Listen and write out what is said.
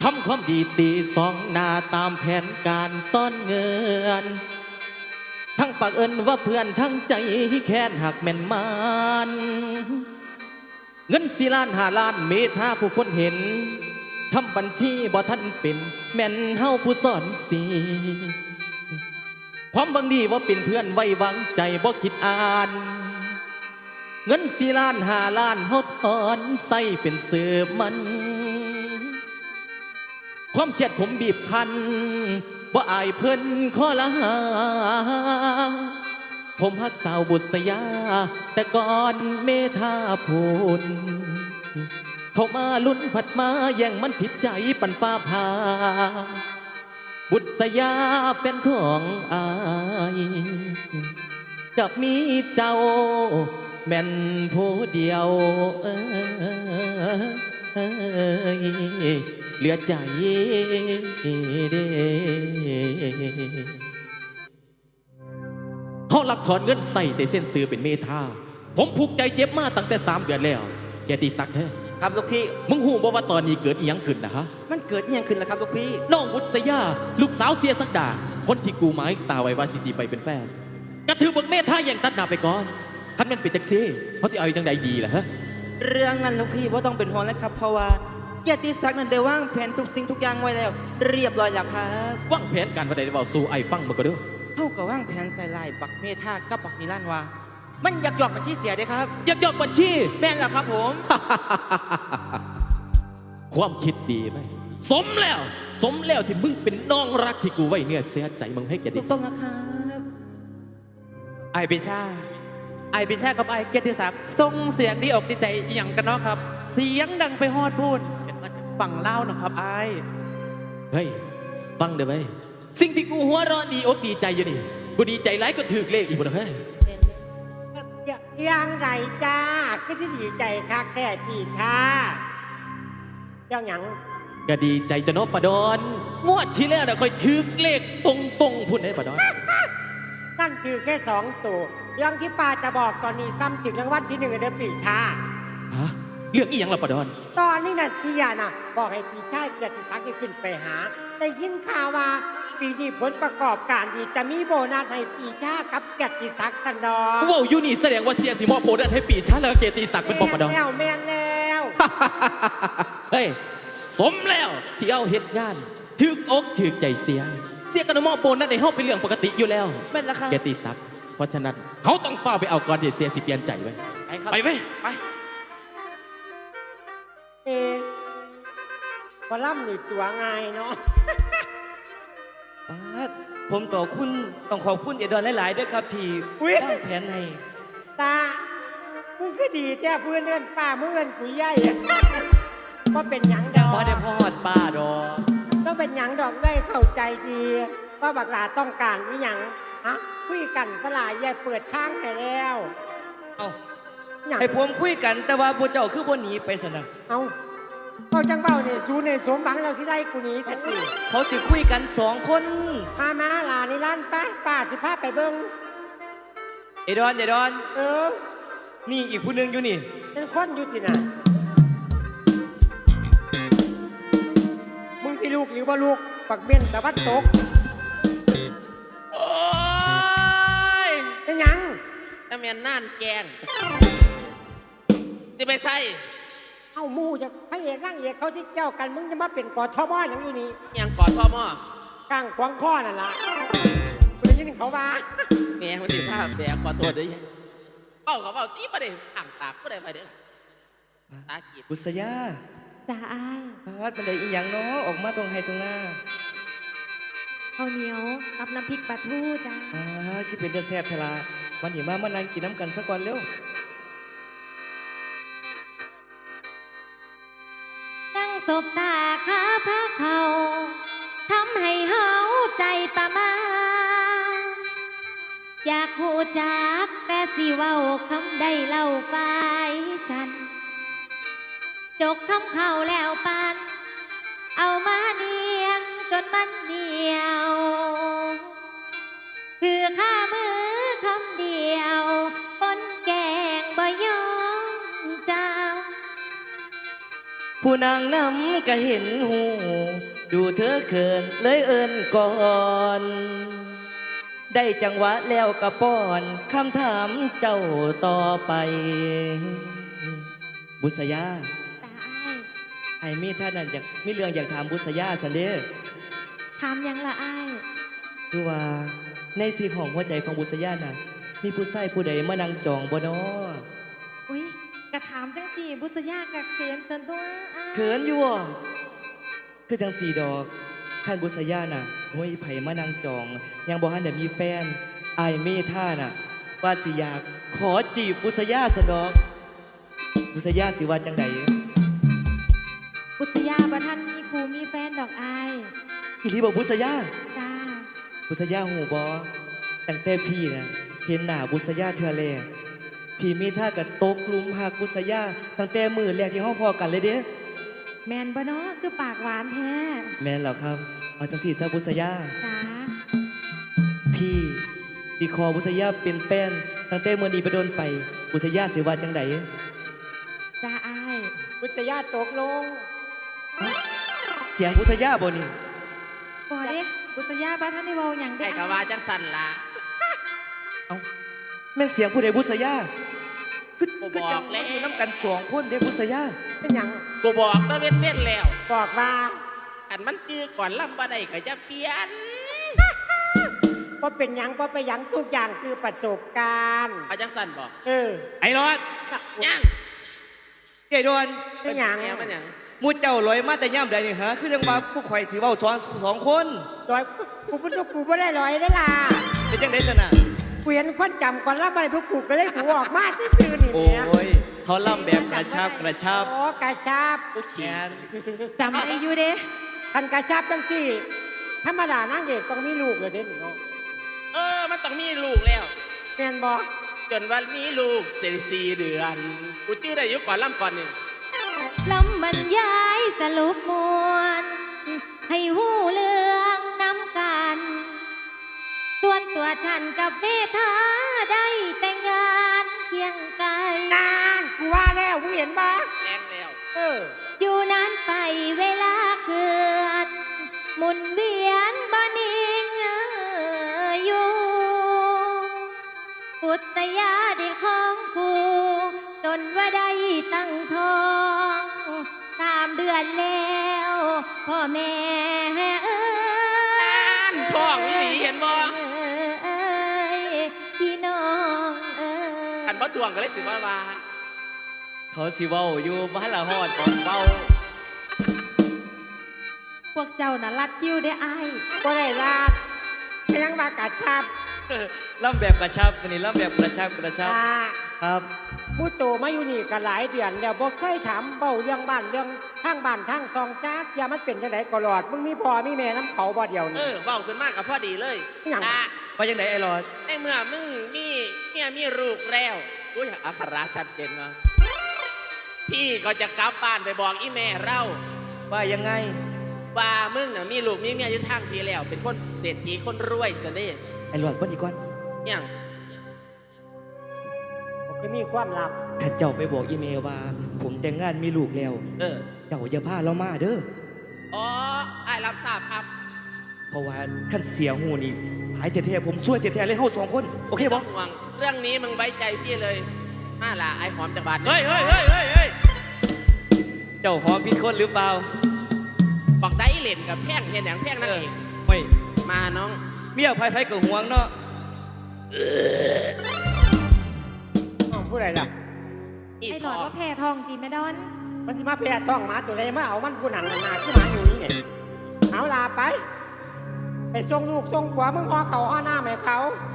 ทำความดีตีสองหน้าตามแผนการซ่อนเงินทั้งปากเอินว่าเพื่อนทั้งใจแค้นหักแม่นมันเงิน4 ล้าน 5 ล้านเมธาผู้คนเห็นทำบัญชีบ่ทันเป็นแม่นเฮาผู้สอนสีความบางดีว่าเป็นเพื่อนไว้วางใจบ่คิดอ่านเงิน4 ล้าน 5 ล้านเฮาถอนใส่เป็นเสือมันความเครียดผมบีบคั้นว่าอายเพิ่นขอละหาผมฮักสาวบุษยาแต่ก่อนเมธาพูนเขามาลุ้นผัดมาแย่งมันผิดใจปันฟ้าพาบุษยาเป็นของอายกับมีเจ้าแม่นผู้เดียวเหลือใจเด้เขาหลักถอนเงินใส่แต่เส้นซื้อเป็นเมธาผมผูกใจเจ็บมาตั้งแต่3 เดือนแล้วแกตีสักแท้ครับลูกพี่มึงหูบ่ว่าตอนนี้เกิดอีหยังขึ้นนะฮะมันเกิดอีหยังขึ้นล่ะครับลูกพี่น้องวุฒิยาลูกสาวเสียสักดาคนที่กูหมายตาไว้ว่าสิไปเป็นแฟนกระถือบทเมธาอย่างตัดหน้าไปก่อนคันมันเป็นแท็กซี่เขาสิเอาจังใดดีล่ะฮะเรื่องนั้นลูกพี่ว่าต้องเป็นห่วงแล้วครับเพราะว่าเกียรติศักดิ์นั้นได้วางแผนทุกสิ่งทุกอย่างไว้แล้วเรียบร้อยแล้วครับวางแผนการวันใดได้เบาสู่ไอ้ฟังมาก็เด้อเท่ากับวางแผนใส่ลายบักเมธากับบักนิรันดร์ว่ามันอยากหยอกบัญชีเสียด้วยครับอยากหยอกบัญชีแม่นแล้วครับผมความคิดดีไหมสมแล้วที่มึงเป็นน้องรักที่กูไว้เนื้อเสียใจมึงให้แกได้ต้องนะครับไอปิชากับไอเกียรติศักดิ์ส่งเสียงดีอกดีใจอย่างกันเนาะครับเสียงดังไปฮอดพูดฝั่งเล่านะครับไอเฮ้ยฟังเด้อไหมสิ่งที่กูหัวเราะดีอกดีใจอยู่นี่กูดีใจหลายก็ถือเลขอีกบ่เฮ้ยยังไงจ้าก็สิดีใจคักแท้ปีชายังหยังก็ดีใจจะนบปะดอนงวดที่แล้วน่ะค่อยถือเลขตรงพุ่นได้ปะดอนนั่นคือแค่2 ตัวเรื่องที่ป้าจะบอกตอนนี้ซ้ำจึงรางวัลที่1เดือนปีชาฮะเรื่องอีหยังล่ะปะดอนตอนนี้น่ะเสียน่ะบอกให้ปีชาเกียรติศักดิ์ขึ้นไปหาได้ยินข่าวว่าปีนี้ผลประกอบการดีจะมีโบนัสให้ปีชากับเกียรติศักดิ์สันดอนว้าวอยู่นี่แสดงว่าเสียสิมอบโบนัสให้ปีชาแล้วก็เกียรติศักดิ์เป็นปะดอนแม่นแล้วเฮ้ยสมแล้วที่เอาเหตุงานถึกอกถึกใจเสียกันมอบโบนัสในห้องเป็นเรื่องปกติอยู่แล้วแม่นแล้วครับเกียรติศักดิ์เพราะฉะนั้นเขาต้องเฝ้าไปเอาก่อนที่เสียสิเปลี่ยนใจไว้ไปไหมไปพอล่ำนี่ตัวง่ายเนาะผมต่อคุณต้องขอบคุณเอดอนหลายๆด้วยครับที่วางแผนให้ตามึงก็ดีแท้เพื่อนเอิ้นป้ามึงเอิ้นกุยใหญ่ก็เป็นหยังดอกบ่ได้พอดป้าดอกก็เป็นหยังดอกได้เข้าใจดีว่าบักหลาต้องการอีหยังฮะคุยกันสลายใหญ่เปิดทางให้แล้วเอาให้ผมคุยกันแต่ว่าบ่เจ้าคือบ่หนีไปซะนะเอาจังเบ้าเนี่ยสูในสมหวังเราสิได้กูหนีสักทีเขาสิคุยกัน2 คนมาหลาในร้านป้าสิพาไปเบิ่งเอดอนนี่อีกผู้นึงอยู่นี่เป็นคนอยู่ที่น่ะมึงสิลูกหรือว่าลูกปักเบนแต่วัดตกโอ้ยเป็นยังถ้าแม่นน่านแกงจะไปใส่เอามูจะพระเอกนั่งเอกเขาที่เจ้ากันมึงจะมาเป็นกอทมอย่างอยู่นี่ยังกอทมกลางขวางข้อนั่นล่ะคุณได้ยินเขาว่าแง่คนที่ภาพแดงขอโทษด้วยเขาบอกที่ประเด็นอ่างตากก็ได้ไปเด้อตากีบบุษยาจ้าอ้ายพัดมันได้อีหยังเนาะออกมาตรงไฮตรงหน้าข้าวเหนียวกับน้ำพริกปลาทูจ้าที่เป็นเดือดแซ่บทลาวันนี้มานั่งกินน้ำกันสักก่อนเร็วนั่งสบตาขาพระเขาทำให้เฮาใจประมาอยากหูจักแต่สิเว้าคำใดเล่าไปฉันจกคำเข้าแล้วปันเอามาเนียงจนมันเดียวคือข้ามือคำเดียวปนแกงบ่ยอมเจ้าผู้นางนำก็เห็นหู ดูเธอเขินเลยเอินก่อน ได้จังหวะแล้วก็ป้อนคำถามเจ้าต่อไป บุษยาตาอ้ายไอ้มีท่านนั่นอยากมีเรื่องอยากถามบุษยาสันเด้อถามหยังละอ้ายคือว่าในสีของหัวใจของบุษยาน่ะ มีผู้ชายผู้ใดมานั่งจองบ่น้ออุ้ยกระถามจังสี่บุษยากะเขินตนตัวอ้ายเขินอยู่อ่ะคือจังสีดอกท่านบุษยาน่ะโอ้ยไผมานั่งจอง ยังบ่ทันได้มีแฟนไอ้เมท่าน่ะ ว่าสิอยากขอจีบบุษยาสนดอก บุษยาสิว่าจังใดบุษยาบ่ทันมีครูมีแฟนดอกอ้ายอีหลีบอกบุษยาจ้าบุษยาหูบอตั้งแต่พี่นะเห็นหน้าบุษยาเทือแรกพี่มีท่ากับตกหลุมหักบุษยาตั้งแต่มือแรกที่ห้องพอกันเลยเด้แมนบ่เนาะคือปากหวานแท้แม่นแล้วครับเอาจังสีซะบุษยาจ้าพี่ดีคอบุษยาเป็นแฟนตั้งแต่มือนี้ไปโดนไป บุษยาสิว่าจังใดจ้าอ้ายบุษยาตกลงเสียงบุษยาบ่นี่บ่เด้บุษยาบ่ทันได้เว้าหยังเด้ไอ้กะอ้ายว่าจังสันละเอาแม่นเสียงผู้ใดบุษยาคือกูคือบอกจังแล้วอยู่น้ำกันสองคนเด้บุษยาเป็นหยังกูบอกตะเว้นเว้นแล้วบอกว่าอันมันจื้อก่อนล่ำบ่ได้ก็จะเปลี่ยนว่าเป็นหยังว่าไปหยังทุกอย่างคือประสบการณ์เอาจังสันบอกเออไอ้รอดยังใหญ่ดวนเป็นหยังแม่มันหยังมูเจ้าลอยมาแต่ย่ำใดนี่ฮะคือจังว่าผู้ข่อยถือเว่าสองคนร้อยกูพูดกูไม่ได้ร้อยได้ล่ะเป็นจังไดสนะกูเห็นคนจำก่อนรับอะไรพวกกูก็เลยกูออกมาซื่อๆนี่โอ้เนี่ยยเขาล่ำแบบกระชับกระชับโอ้กระชับผู้แขนจำได้อยู่เด้คันกระชับจังสี่ธรรมดานางเอกต้องมีลูกเลยเด่นเนาะมันต้องมีลูกแล้วแม่นบอกจนวันมีลูกสี่เดือน กูจื้อได้อยู่ก่อนล่ำก่อนนี่ลำบรรยายสรุปมวลให้หูเรื่องน้ำกัน ส่วนตัวฉันกับเมธาได้แต่งงานเคียงไกลนานกูว่าแล้วมึงเห็นบ่แรงแล้วเอออยู่นานไปเวลาเคลื่อนหมุนเวียนบ่นิ่งอยู่ปุตยาได้ของผู้จนว่าได้ตั้งท้อง3 เดือนแล้วพ่อแม่เอ้ยนั่นท้องอีหลีเห็นบ่เอ้ยพี่น้องเอ้ยอันบ่ทวงก็เลยสิว่าเขาสิเว้าอยู่บ้านละฮอดของเว้าพวกเจ้าน่ะลัดคิวได้อ้ายบ่ได้ลาดเพียงว่ากระชับล่ำแบบกระชับวันนี้ล่ำแบบกระชับกระชับอ่าครับผู้โตมาอยู่นี่กันหลายเดือนแล้วบ่เคยถามเบ้าเรื่องบ้านเรื่องทางบ้านทางซองจักอย่ามันเป็นจังไดก็หลอดมึงมีพ่อมีแม่น้ำเขาบ่เดียวนี่เว้าขึ้นมากกับพ่อดีเลยหยังนะว่าจังไดไอ้รอดในเมื่อมึงมีเมียมีลูกแล้วอุ้ยอัคราชัดเจนเนาะพี่ก็จะกลับบ้านไปบอกอีแม่เราว่ายังไงว่ามึงน่ะมีลูกมีเมียอยู่ทางพี่แล้ว เป็นคนเศรษฐีคนรวยซะเด้ไอ้รอดวันนี้ก่อนยังผมก็มีความลับท่านเจ้าไปบอกอีเมลว่า ผมแต่งงานมีลูกแล้ว เจ้าอย่าพาเรามาเด้ออ๋อไอ้รับทราบครับเพราะว่าขั้นเสียหูนี่หายแท้ๆผมช่วยแท้ๆเลยเฮาสองคน โอเคไม่บ่ต้องห่วงเรื่องนี้มึงไว้ใจพี่เลย มาล่ะไอ้หอมจากบ้านเฮ้ยเฮ้ยเฮ้ยเฮ้ยเฮ้ยเจ้าหอมผิดคนหรือเปล่าฝักได้เล่นกับแพงเห็นอย่างแพงนั่นเองเฮ้ยมาน้องเมียไผๆกับห่วงเนาะอ้าวผู้ใดล่ะอีไอ้หทลออดงว่าแพ้ทองตีแม่ดอนมันสิมาแพร่ต้องหมาตัวใดมาเอามันผู้หนังหนาๆคือหมาอยู่นี่เนี่ยเอาลาไป ไปส่งลูกส่งผัวมึงห่อเขาห่อหน้าแม่เขาเ